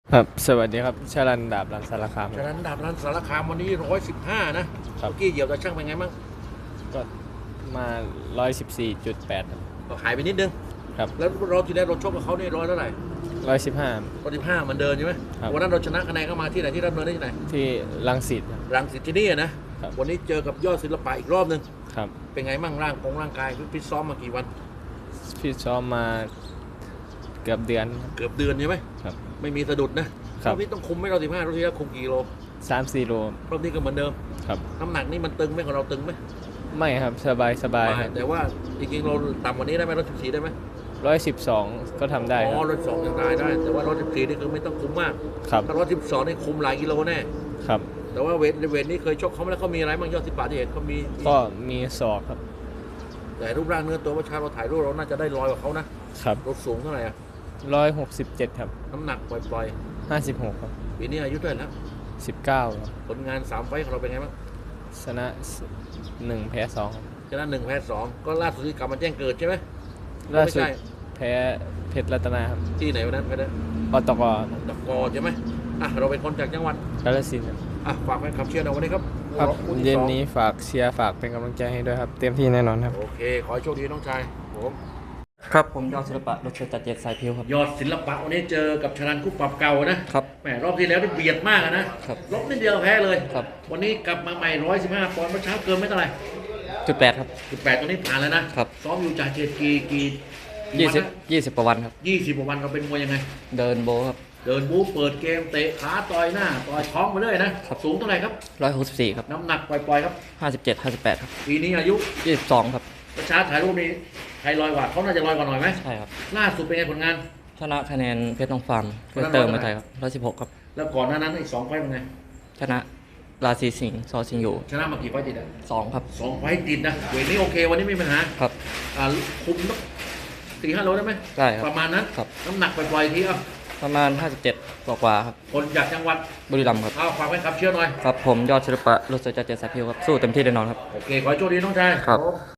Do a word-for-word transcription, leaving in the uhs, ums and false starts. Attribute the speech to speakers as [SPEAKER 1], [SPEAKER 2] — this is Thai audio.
[SPEAKER 1] ครับสวัสดีครับชลันดาบรันสารคาม
[SPEAKER 2] ฉะนั้นดาบรันสารคามวันนี้ร้อยสิบห้านะครับ เมื่อกี้เหยียบตะช่างเป็นไงบ้าง
[SPEAKER 1] ก็มาร้อยสิบสี่จุดแปด
[SPEAKER 2] ก็หายไปนิดนึง
[SPEAKER 1] ครับ
[SPEAKER 2] แล้วเราที่ได้เราชกกับเขานี่ร้อยเท่าไหร่
[SPEAKER 1] ร้อยสิบห้า
[SPEAKER 2] ร้อยสิบห้ามันเดินใช่ไหม
[SPEAKER 1] ครับ
[SPEAKER 2] วันนั้นเราชนะคะแนนเข้ามาที่ไหนที่รับเนินได้ที่ไหน
[SPEAKER 1] ที่รังสิตครับ
[SPEAKER 2] รังสิตที่นี่นะครับ วันนี้เจอกับยอดศิลปะอีกรอบหนึ่ง
[SPEAKER 1] ครับ
[SPEAKER 2] เป็นไงบ้างร่างของร่างกายพี่ซ้อมมากี่วัน
[SPEAKER 1] พี่ซ้อมมาเกือบเดือนครับ
[SPEAKER 2] เกือบเดือนใช่ไหม
[SPEAKER 1] ครับ
[SPEAKER 2] ไม่มีสะดุดนะครับ รอบนี้ต้องคุมไม่เราสิบห้ารอบที่แล้วคุมกี่โล
[SPEAKER 1] สามสี่โล
[SPEAKER 2] รอบนี้ก็เหมือนเดิม
[SPEAKER 1] ครับ
[SPEAKER 2] น้ำหนักนี่มันตึงไหมของเราตึงไหม
[SPEAKER 1] ไม่ครับสบายสบายครับ
[SPEAKER 2] แต่ว่าจริงๆเราต่ำกว่านี้ได้ไหมร้อยสิบสี่ได้ไหม
[SPEAKER 1] ร้อยสิบสองก็ทำได้ค
[SPEAKER 2] อ๋
[SPEAKER 1] รับ
[SPEAKER 2] อร้อยสองยังได้ได้แต่ว่าร้อยสิบสี่นี่คือไม่ต้องคุมมาก
[SPEAKER 1] ครับ
[SPEAKER 2] ถ้าร้อยสิบสองนี่คุมหลายกิโลแน่
[SPEAKER 1] ครับ
[SPEAKER 2] แต่ว่าเวทเวทนี่เคยชกเขามาแล้วเขามีอะไรบ้างยอดสิบปาที่เห็นเขามี
[SPEAKER 1] ก็มีศอกครับ
[SPEAKER 2] แต่รูปร่างเนื้อตัวว่าชาเราถ่ายรูปเราน่าจะได้ลอยกว่าเขานะครับรถสูงเท่าไหร่อะ
[SPEAKER 1] ร้อยหกสิบเจ็ดครับ
[SPEAKER 2] น้ำหนักปล่อย
[SPEAKER 1] ห้าสิบหกครับ
[SPEAKER 2] ๆปีนี้อายุเท่าไหร่แล้ว
[SPEAKER 1] สิบเก้าครับ
[SPEAKER 2] ผลงานสามไฟต์ของเราเป็นไงบ้าง
[SPEAKER 1] ชนะหนึ่งแพ้สองครับ
[SPEAKER 2] ชนะหนึ่งแพ้สองก็ล่าสุดที่กลับมาแจ้งเกิดใช่ไหม
[SPEAKER 1] ล่าสุด
[SPEAKER 2] ไม่ใช่
[SPEAKER 1] แพ้เพชรรัตนาครับ
[SPEAKER 2] ที่ไหนวันนั้นไปได้
[SPEAKER 1] ปตก
[SPEAKER 2] ตะกอใช่ไหมอ่ะเราเป็นคนจากจังหวัด
[SPEAKER 1] กาฬสินธุ์ครับ
[SPEAKER 2] อ่ะฝากแฟนคลับเชียร์เราวันนี้ครับ
[SPEAKER 1] ครับ
[SPEAKER 2] คู่ที่
[SPEAKER 1] เย็น
[SPEAKER 2] สอง
[SPEAKER 1] นี้ฝากเชียร์ฝากเป็นกำลังใจให้ด้วยครับ เต็มที่แน่นอนครับ
[SPEAKER 2] โอเคขอให้โชคดีน้องชายผม
[SPEAKER 3] ครับผมยอดศิลปะรถเชยจัดเจ็ดสายพิวครับ
[SPEAKER 2] ยอดศิลปะวันนี้เจอกับชลันคู่ปรับเก่านะครับ แหมรอบที่แล้วนี่เบียดมากอะนะครับลบนิดเดียวแพ้เลย
[SPEAKER 3] ครับ
[SPEAKER 2] วันนี้กลับมาใหม่ร้อยสิบห้าปอนด์เมื่อเช้าเกินไม่เท่าไหร่
[SPEAKER 3] จุดแปดครับ
[SPEAKER 2] สิบแปดตอนนี้ผ่านแล้วนะครับ ซ้อมอยู่จากเจ็ดกี่กี่
[SPEAKER 3] ยี่สิบยี่สิบกว่าวันครับ
[SPEAKER 2] ยี่สิบกว่าวันเราเป็นมวยยังไง
[SPEAKER 3] เดินโบครับ
[SPEAKER 2] เดินบู๊เปิดเกมเตะขาต่อยหน้าต่อยท้องมาเลยนะครับ สูงเท่าไหร่ครับ
[SPEAKER 3] ร้อยหกสิบสี่ครับ
[SPEAKER 2] น้ำหนักปล่อยๆครับ
[SPEAKER 3] ห้าสิบเจ็ดห้าสิบแปดครับ
[SPEAKER 2] ปีนี้อายุ
[SPEAKER 3] ยี่สิบสองครับ
[SPEAKER 2] เมื่อเช้าถ่ายรูปนี้ใครลอยกว่าเขาน่าจะลอยกว่าหน่อยไหม
[SPEAKER 3] ใช่ครับ
[SPEAKER 2] ล่าสุดเป็นไงผลงาน
[SPEAKER 3] ชนะคะแนนเพชรทองฟาร์ม
[SPEAKER 2] วั
[SPEAKER 3] เพื่
[SPEAKER 2] น
[SPEAKER 3] อ
[SPEAKER 2] นั้น
[SPEAKER 3] เติม
[SPEAKER 2] ร้อย
[SPEAKER 3] มา
[SPEAKER 2] เท่าไหร่
[SPEAKER 3] ไทยครับร้อยสิบหกครับ
[SPEAKER 2] แล้วก่อนหน้านั้นอีกสองไฟต์เป็นไง
[SPEAKER 3] ชนะราศีสิงห์ซอสิงห์อยู่
[SPEAKER 2] ชนะมากี่ไฟต์ติดอ่ะ
[SPEAKER 3] สองครับ
[SPEAKER 2] สองไฟต์ติดนะเวทนี้โอเควันนี้ไม่มีปัญหา
[SPEAKER 3] ครับ
[SPEAKER 2] อ่าคุมสักสี่ห้าโลได้ไหม
[SPEAKER 3] ได้ครับ
[SPEAKER 2] ประมาณนั้น
[SPEAKER 3] ครับ
[SPEAKER 2] น้ำหนักปล่อยๆทีเอ่ะ
[SPEAKER 3] ประมาณห้าสิบเจ็ดกว่าๆครับ
[SPEAKER 2] คนจากจังหวัด
[SPEAKER 3] บุรีรัมย์ครับ
[SPEAKER 2] เอาฝากไว้ครับเชื่อหน่อย
[SPEAKER 3] ครับผมยอดศิลปะรถเชยจัดเจ็ดสายพิวครับสู้เต็มที่แน่นอนครับ
[SPEAKER 2] โอเค ขอให้โชคดีน้องชาย
[SPEAKER 3] ครับ